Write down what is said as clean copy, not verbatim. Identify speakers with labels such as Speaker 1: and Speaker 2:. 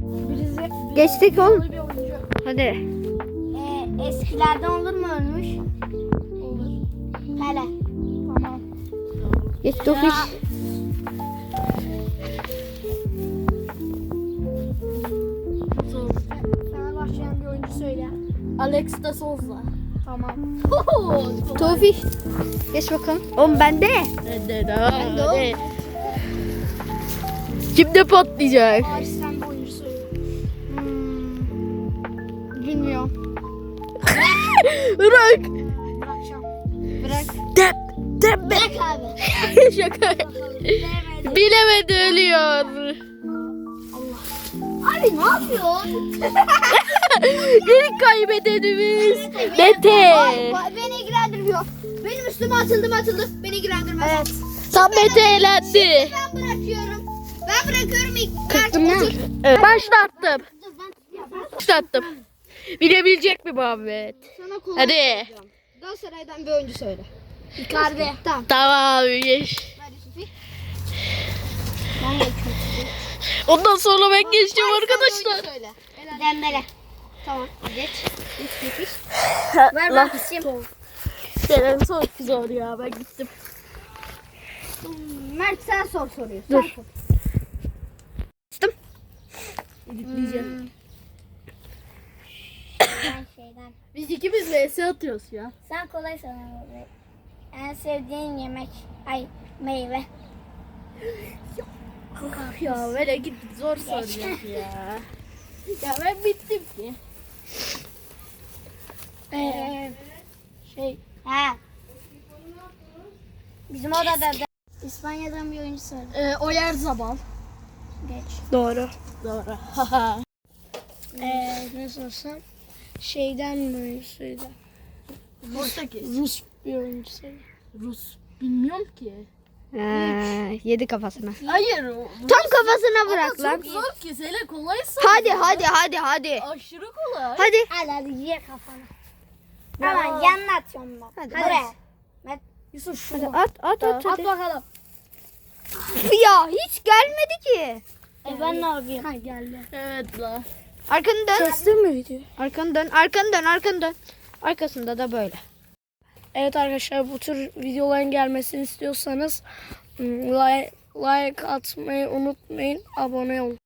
Speaker 1: Geçtik oğlum. Hadi.
Speaker 2: Eskilerden olur mu ölmüş? Olur. Pele. Tamam.
Speaker 1: Geç Tofiş.
Speaker 2: Fenerbahçe'den bir oyuncu söyle.
Speaker 3: Alex de Souza.
Speaker 2: Tamam.
Speaker 1: Tofiş. Geç bakalım. Oğlum bende.
Speaker 3: Ben de. Kimde patlayacak?
Speaker 2: Ağaç sen bir oyuncu söyle.
Speaker 1: Bilmiyorum.
Speaker 3: Bırak.
Speaker 2: Bırakacağım.
Speaker 1: Bırak.
Speaker 3: Dep.
Speaker 2: Bırak abi.
Speaker 3: Şaka.
Speaker 2: Bilemedi.
Speaker 3: Bilemedi ölüyor.
Speaker 2: Abi ne yapıyorsun?
Speaker 3: İlk kaybedenimiz Mete.
Speaker 2: Beni ilgilendirmiyor. Benim üstüme atıldı. Beni ilgilendirmez. Evet.
Speaker 3: Tam Mete elendi.
Speaker 2: Ben bırakıyorum. Ben bırakıyorum ilk.
Speaker 1: Kırktım ya.
Speaker 3: Evet, başlattım.
Speaker 2: Dur ben.
Speaker 3: Başlattım. Bilebilecek mi Muhammed?
Speaker 2: Sana kolay
Speaker 3: Hadi.
Speaker 2: soracağım. Galatasaray'dan bir oyuncu söyle. Icardi. Tamam.
Speaker 3: Tamam geç.
Speaker 2: Hadi Sufi. Ben geçiyorum.
Speaker 3: Ondan sonra ben geçeceğim arkadaşlar.
Speaker 2: Söyle. Dembele. Tamam. Geç. Geç. Ver
Speaker 3: Lan.
Speaker 2: ben isim.
Speaker 3: Senin çok zor ya ben gittim.
Speaker 2: Mert sen sor soruyu.
Speaker 3: Dur.
Speaker 2: Sen sor.
Speaker 3: Editleyeceğim.
Speaker 2: Şeyden.
Speaker 3: Biz ikimiz vs atıyoruz ya.
Speaker 2: Sen kolay sana. En sevdiğin yemek. Ay meyve.
Speaker 3: Ya böyle git zor soruyor ya. Ya ben bittim ki.
Speaker 2: Ha. Bizim odada da İspanya'dan bir oyuncu söyle.
Speaker 3: Oyarzabal.
Speaker 2: Geç.
Speaker 1: Doğru.
Speaker 3: Doğru.
Speaker 2: Ne sorsam? Şeyden bir oyuncu söyle.
Speaker 3: Portekiz.
Speaker 2: Rus bir oyuncu söyle.
Speaker 3: Rus. Bilmiyorum ki.
Speaker 1: Yedi kafasına.
Speaker 3: Hayır.
Speaker 1: Tam kafasına bırak lan.
Speaker 3: Çok zor ki. Sele kolay
Speaker 1: Hadi.
Speaker 3: Aşırı kolay.
Speaker 1: Hadi.
Speaker 2: Hadi ye kafana. Hemen yanına atıyorum ben.
Speaker 1: Hadi.
Speaker 2: Mert, Yusuf
Speaker 1: Hadi
Speaker 2: şunu.
Speaker 1: at
Speaker 2: At
Speaker 1: hadi.
Speaker 2: bakalım.
Speaker 1: Ya hiç gelmedi ki.
Speaker 2: Ben ne yapayım?
Speaker 3: Ha geldi. Evet la.
Speaker 1: Arkanı dön.
Speaker 2: Kestin mi video?
Speaker 1: Arkanı dön. Arkasında da böyle.
Speaker 2: Evet arkadaşlar bu tür videoların gelmesini istiyorsanız like atmayı unutmayın. Abone olun.